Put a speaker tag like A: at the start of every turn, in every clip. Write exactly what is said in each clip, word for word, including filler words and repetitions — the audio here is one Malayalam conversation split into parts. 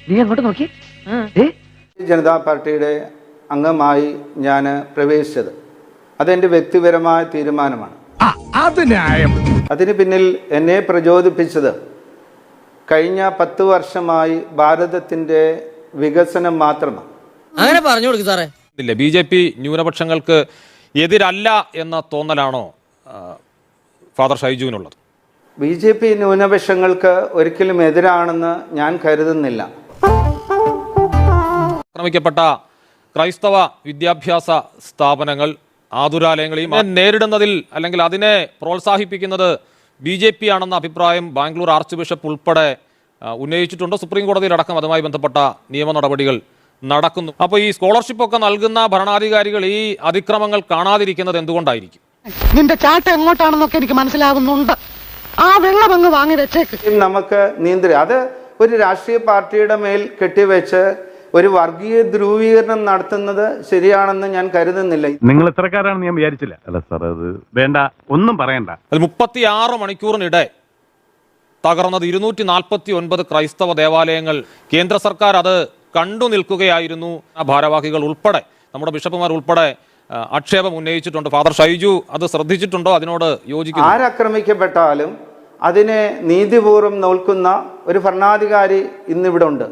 A: നീ അങ്ങോട്ട് നോക്കി.
B: ജനതാ പാർട്ടിയുടെ അംഗമായി ഞാൻ പ്രവേശിച്ചത് അതെൻ്റെ വ്യക്തിപരമായ തീരുമാനമാണ്. അതിന് പിന്നിൽ എന്നെ പ്രചോദിപ്പിച്ചത് കഴിഞ്ഞ പത്ത് വർഷമായി ഭാരതത്തിൻ്റെ വികസനം മാത്രമാണ്.
C: അങ്ങനെ പറഞ്ഞു കൊടുക്കും സാറേ.
D: ഇല്ല, ബി ജെ പി ന്യൂനപക്ഷങ്ങൾക്ക് എതിരല്ല എന്ന തോന്നലാണോ ഫാദർ ഷൈജുവിനുള്ളത്?
B: ബി ജെ പി ന്യൂനപക്ഷങ്ങൾക്ക് ഒരിക്കലും എതിരാണെന്ന് ഞാൻ കരുതുന്നില്ല.
D: ആക്രമിക്കപ്പെട്ട ക്രൈസ്തവ വിദ്യാഭ്യാസ സ്ഥാപനങ്ങൾ, ആതുരാലയങ്ങളെയും നേരിടുന്നതിൽ അല്ലെങ്കിൽ അതിനെ പ്രോത്സാഹിപ്പിക്കുന്നത് ബി ജെ പി ആണെന്ന അഭിപ്രായം ബാംഗ്ലൂർ ആർച്ച് ബിഷപ്പ് ഉൾപ്പെടെ ഉന്നയിച്ചിട്ടുണ്ട്. സുപ്രീം കോടതിയിലടക്കം അതുമായി ബന്ധപ്പെട്ട നിയമ നടപടികൾ നടക്കുന്നു. അപ്പോൾ ഈ സ്കോളർഷിപ്പ് ഒക്കെ നൽകുന്ന ഭരണാധികാരികൾ ഈ അതിക്രമങ്ങൾ കാണാതിരിക്കുന്നത് എന്തുകൊണ്ടായിരിക്കും?
A: നിന്റെ ചാട്ട എങ്ങോട്ടാണെന്നൊക്കെ എനിക്ക് മനസ്സിലാകുന്നുണ്ട്. ആ വെള്ളം അങ്ങ് വാങ്ങി വെച്ചേക്ക്.
B: നമുക്ക് നീന്തി അത് ഒരു രാഷ്ട്രീയ പാർട്ടിയുടെ മേൽ കെട്ടിവെച്ച് ഒരു വർഗീയ ധ്രുവീകരണം നടത്തുന്നത് ശരിയാണെന്ന് ഞാൻ കരുതുന്നില്ല.
E: നിങ്ങൾ ഇത്രക്കാരാണെന്ന് ഞാൻ വിചാരിച്ചില്ല. അല്ല സാർ, അത് വേണ്ട, ഒന്നും പറയണ്ട.
D: അത് മുപ്പത്തിയാറ് മണിക്കൂറിനിടെ തകർന്നത് ഇരുന്നൂറ്റി നാൽപ്പത്തി ഒൻപത് ക്രൈസ്തവ ദേവാലയങ്ങൾ. കേന്ദ്ര സർക്കാർ അത് കണ്ടു നിൽക്കുകയായിരുന്നു. ആ ഭാരവാഹികൾ ഉൾപ്പെടെ, നമ്മുടെ ബിഷപ്പുമാർ ഉൾപ്പെടെ ആക്ഷേപം ഉന്നയിച്ചിട്ടുണ്ട്. ഫാദർ ഷൈജു അത് ശ്രദ്ധിച്ചിട്ടുണ്ടോ? അതിനോട് യോജിക്കുന്നു?
B: ആരാക്രമിക്കപ്പെട്ടാലും അതിനെ നീതിപൂർവ്വം നോക്കുന്ന ഒരു ഭരണാധികാരി ഇന്നിവിടെ ഉണ്ട്.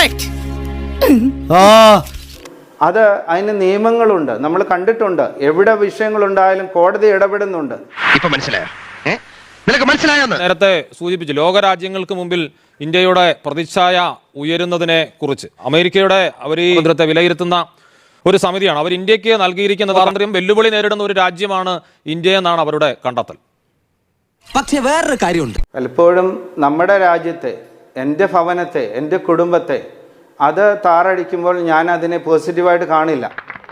B: അത് അതിന് നിയമങ്ങളുണ്ട്, നമ്മൾ കണ്ടിട്ടുണ്ട്. എവിടെ വിഷയങ്ങളുണ്ടായാലും കോടതി ഇടപെടുന്നുണ്ട്.
F: ഇപ്പൊ മനസ്സിലായോ? മനസ്സിലായോ?
D: നേരത്തെ സൂചിപ്പിച്ചു, ലോകരാജ്യങ്ങൾക്ക് മുമ്പിൽ ഇന്ത്യയുടെ പ്രതിച്ഛായ ഉയരുന്നതിനെ കുറിച്ച്. അമേരിക്കയുടെ അവർ ഈ ഭദ്രത്തെ വിലയിരുത്തുന്ന ഒരു സമിതിയാണ്. അവർ ഇന്ത്യക്ക് നൽകിയിരിക്കുന്ന സ്വാതന്ത്ര്യം വെല്ലുവിളി നേരിടുന്ന ഒരു രാജ്യമാണ് ഇന്ത്യ എന്നാണ് അവരുടെ കണ്ടെത്തൽ.
C: പക്ഷെ വേറൊരു കാര്യമുണ്ട്.
B: പലപ്പോഴും നമ്മുടെ രാജ്യത്തെ, എൻ്റെ ഭവനത്തെ, എൻ്റെ കുടുംബത്തെ അത് താറടിക്കുമ്പോൾ ഞാൻ അതിനെ പോസിറ്റീവായിട്ട് കാണില്ല.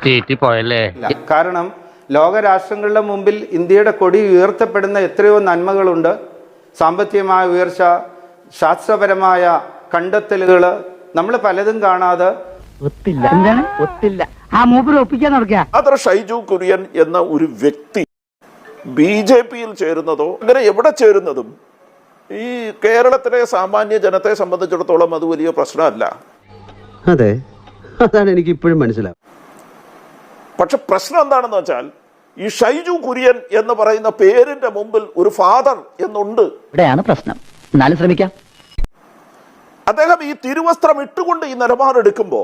B: കാരണം ലോകരാഷ്ട്രങ്ങളുടെ മുമ്പിൽ ഇന്ത്യയുടെ കൊടി ഉയർത്തപ്പെടുന്ന എത്രയോ നന്മകളുണ്ട്. സാമ്പത്തികമായ ഉയർച്ച, ശാസ്ത്രപരമായ കണ്ടെത്തലുകൾ, നമ്മൾ പലതും കാണാതെ
A: ഒത്തില്ല. എന്താണ് ഒത്തില്ല? ആ മൂപ്പര് ഒപ്പിക്കാൻ നടക്കുക.
G: ഫാദർ ഷൈജു കുര്യൻ എന്ന ഒരു വ്യക്തി ബി ജെ പിയിൽ ചേരുന്നതോ അങ്ങനെ എവിടെ ചേരുന്നതും ഈ കേരളത്തിലെ സാമാന്യ ജനത്തെ സംബന്ധിച്ചിടത്തോളം അത് വലിയ പ്രശ്നമല്ല.
H: അതെ, അതാണ് എനിക്ക് ഇപ്പോഴും മനസ്സിലാവും.
G: പക്ഷെ പ്രശ്നം എന്താണെന്ന് വെച്ചാൽ ഈ ഷൈജു കുര്യൻ എന്ന് പറയുന്ന പേരിന്റെ മുമ്പിൽ ഒരു ഫാദർ എന്നുണ്ട്.
A: ഇവിടെയാണ് പ്രശ്നം. എന്നാലും ശ്രമിക്കാം.
G: അദ്ദേഹം ഈ തിരുവസ്ത്രം ഇട്ടുകൊണ്ട് ഈ നിലപാടെടുക്കുമ്പോൾ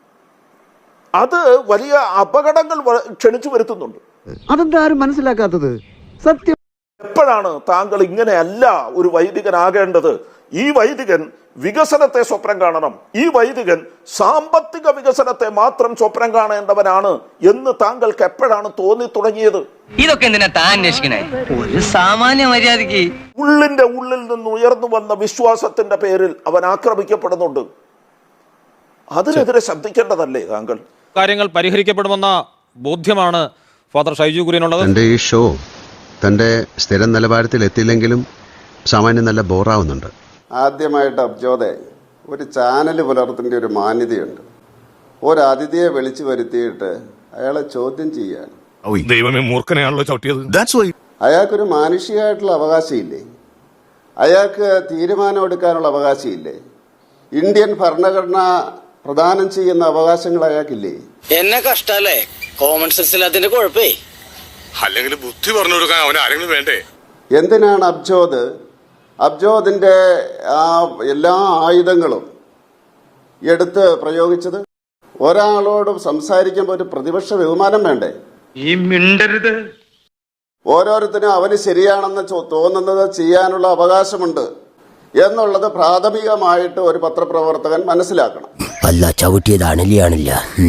G: അത് വലിയ അപകടങ്ങൾ ക്ഷണിച്ചു വരുത്തുന്നുണ്ട്.
H: അതെന്താ ആരും മനസ്സിലാക്കാത്തത്? സത്യം.
G: എപ്പോഴാണ് താങ്കൾ ഇങ്ങനെയല്ല ഒരു വൈദികനാകേണ്ടത്? ഈ വൈദികൻ വികസനത്തെ സ്വപ്നം കാണണം. ഈ വൈദികൻ സാമ്പത്തിക വികസനത്തെ മാത്രം സ്വപ്നം കാണേണ്ടവനാണ് എന്ന് താങ്കൾക്ക് എപ്പോഴാണ് തോന്നി തുടങ്ങിയത്?
C: ഇതൊക്കെ എന്തിനാ താൻ അന്വേഷിക്കണേ? ഒരു സാമാന്യ മര്യാദക്ക്.
G: ഉള്ളിന്റെ ഉള്ളിൽ നിന്ന് ഉയർന്നു വന്ന വിശ്വാസത്തിന്റെ പേരിൽ അവൻ ആക്രമിക്കപ്പെടുന്നുണ്ട്. അതിനെതിരെ ശബ്ദിക്കേണ്ടതല്ലേ താങ്കൾ?
D: കാര്യങ്ങൾ പരിഹരിക്കപ്പെടുമെന്ന ബോധ്യമാണ് ഫാദർ ഷൈജു കുര്യനുള്ളത്.
H: തന്റെ ഈ ഷോ തന്റെ സ്ഥിരം നിലവാരത്തിൽ എത്തിയില്ലെങ്കിലും സാമാന്യം നല്ല ബോറാവുന്നുണ്ട്.
I: ആദ്യമായിട്ട് അബ്ജോദെ, ഒരു ചാനൽ പുലർത്തേണ്ട ഒരു മാന്യതയുണ്ട്. ഒരു അതിഥിയെ വിളിച്ചു വരുത്തിയിട്ട് അയാളെ ചോദ്യം ചെയ്യാൻ
E: ദൈവമേ, മൂർഖനെയാണല്ലോ ചവിട്ടിയത്.
I: അയാൾക്കൊരു മാനുഷികമായിട്ടുള്ള അവകാശമില്ലേ? അയാൾക്ക് തീരുമാനം എടുക്കാനുള്ള അവകാശമില്ലേ? ഇന്ത്യൻ ഭരണഘടന പ്രദാനം ചെയ്യുന്ന അവകാശങ്ങൾ അയാൾക്കില്ലേ?
C: എന്നെ കഷ്ടല്ലേ? കോമൺ സെൻസിൽ അതിന്റെ കുഴപ്പേ.
E: അല്ലെങ്കിൽ ബുദ്ധി പറഞ്ഞു കൊടുക്കാൻ അവൻ ആരെങ്കിലും വേണ്ടേ?
I: എന്തിനാണ് അബ്ജോദ് അബ്ജോദിന്റെ ആ എല്ലാ ആയുധങ്ങളും എടുത്ത് പ്രയോഗിച്ചത്? ഒരാളോട് സംസാരിക്കുമ്പോൾ ഒരു പ്രതിപക്ഷ ബഹുമാനം വേണ്ടേ?
F: ഈ മിണ്ടരുത്.
I: ഓരോരുത്തരും അവന് ശരിയാണെന്ന് തോന്നുന്നത് ചെയ്യാനുള്ള അവകാശമുണ്ട് എന്നുള്ളത് പ്രാഥമികമായിട്ട് ഒരു പത്രപ്രവർത്തകൻ മനസ്സിലാക്കണം.
C: അല്ല, ചവിട്ടിയതാണില്ല.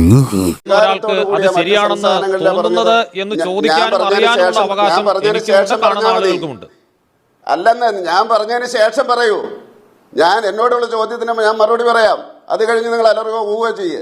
I: അല്ലെന്ന് ഞാൻ പറഞ്ഞതിന് ശേഷം പറയൂ. ഞാൻ എന്നോടുള്ള ചോദ്യത്തിന് ഞാൻ മറുപടി പറയാം. അത് കഴിഞ്ഞ് നിങ്ങൾ എല്ലാവർക്കും ഊഹ ചെയ്യേ.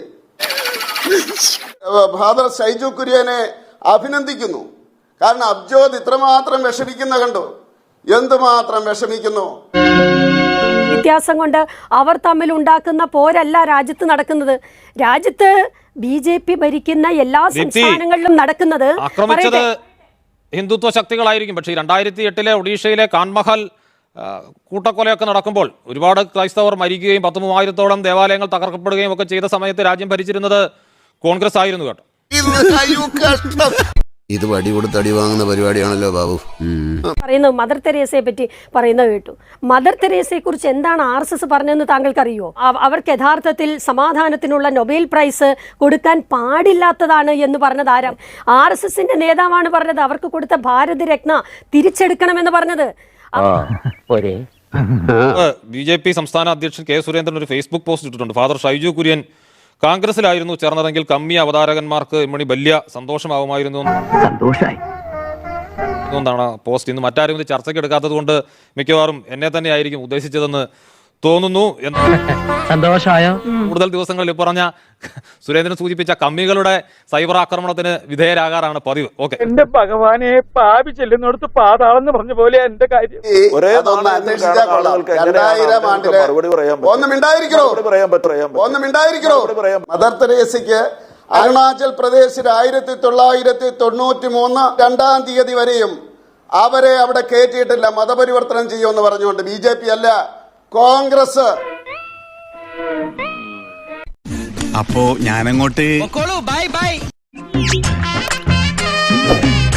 I: ഫാദർ ഷൈജു കുര്യനെ അഭിനന്ദിക്കുന്നു. കാരണം അബ്ജോദ് ഇത്രമാത്രം വിഷമിക്കുന്ന കണ്ടു. എന്തുമാത്രം വിഷമിക്കുന്നു.
J: വ്യത്യാസം കൊണ്ട് അവർ തമ്മിൽ ഉണ്ടാക്കുന്ന പോരല്ല രാജ്യത്ത് നടക്കുന്നത്. രാജ്യത്ത് ബി ജെ പി ഭരിക്കുന്ന എല്ലാ സംസ്ഥാനങ്ങളിലും നടക്കുന്നത്
D: ആക്രമിച്ചത് ഹിന്ദുത്വ ശക്തികളായിരിക്കും. പക്ഷേ രണ്ടായിരത്തി എട്ടിലെ ഒഡീഷയിലെ കാൻമഹൽ ആ, കൂട്ടക്കൊലയൊക്കെ നടക്കുമ്പോൾ ഒരുപാട് ക്രൈസ്തവർ മരിക്കുകയും പത്ത് മൂവായിരത്തോളം ദേവാലയങ്ങൾ തകർക്കപ്പെടുകയും ഒക്കെ ചെയ്ത സമയത്ത് രാജ്യം ഭരിച്ചിരുന്നത് കോൺഗ്രസ് ആയിരുന്നു കേട്ടോ.
H: ഇത് വടി കൊടുത്ത് അടി വാങ്ങുന്ന പരിപാടിയാണല്ലോ ബാബു.
J: പറയുന്നത് മദർ തെരേസയെ പറ്റി പറയുന്നത് കേട്ടു. മദർ തെരേസയെ കുറിച്ച് എന്താണ് ആർ എസ് എസ് പറഞ്ഞതെന്ന് താങ്കൾക്കറിയോ? അവർക്ക് യഥാർത്ഥത്തിൽ സമാധാനത്തിനുള്ള നൊബേൽ പ്രൈസ് കൊടുക്കാൻ പാടില്ലാത്തതാണ് എന്ന് പറഞ്ഞത് ആരാം? ആർ എസ് എസിന്റെ നേതാവാണ് പറഞ്ഞത്. അവർക്ക് കൊടുത്ത ഭാരതരത്ന തിരിച്ചെടുക്കണമെന്ന് പറഞ്ഞത്.
D: ബി ജെ പി സംസ്ഥാന അധ്യക്ഷൻ കെ സുരേന്ദ്രൻ ഒരു ഫേസ്ബുക്ക് പോസ്റ്റ് ഇട്ടിട്ടുണ്ട്. ഫാദർ ഷൈജു കുര്യൻ കോൺഗ്രസിലായിരുന്നു ചേർന്നതെങ്കിൽ കമ്മി അവതാരകന്മാർക്ക് ഇമ്മണി വലിയ സന്തോഷമാവുമായിരുന്നു എന്നാണ് പോസ്റ്റ്. ഇന്ന് മറ്റാരും ഇത് ചർച്ചയ്ക്ക് എടുക്കാത്തത് കൊണ്ട് മിക്കവാറും എന്നെ തന്നെ ആയിരിക്കും ഉദ്ദേശിച്ചതെന്ന് തോന്നുന്നു.
C: സന്തോഷമായോ?
D: കൂടുതൽ ദിവസങ്ങളിൽ പറഞ്ഞ സുരേന്ദ്രൻ സൂചിപ്പിച്ച കമ്മികളുടെ സൈബർ ആക്രമണത്തിന് വിധേയരാകാറാണ് പതിവ്. ഓക്കെ,
F: എന്റെ ഭഗവാനെ പാപി ചെല്ലുന്നിടത്ത് പാതാളെന്ന് പറഞ്ഞ പോലെ എന്റെ കാര്യം.
I: മദർ തെരേസയ്ക്ക് അരുണാചൽ പ്രദേശിൽ ആയിരത്തി തൊള്ളായിരത്തി തൊണ്ണൂറ്റി മൂന്ന് രണ്ടാം തീയതി വരെയും അവരെ അവിടെ കയറ്റിയിട്ടില്ല. മതപരിവർത്തനം ചെയ്യുമെന്ന് പറഞ്ഞുകൊണ്ട് ബി ജെ പി അല്ല, കോൺഗ്രസ്.
C: അപ്പോ ഞാനങ്ങോട്ട് ബൈ ബൈ.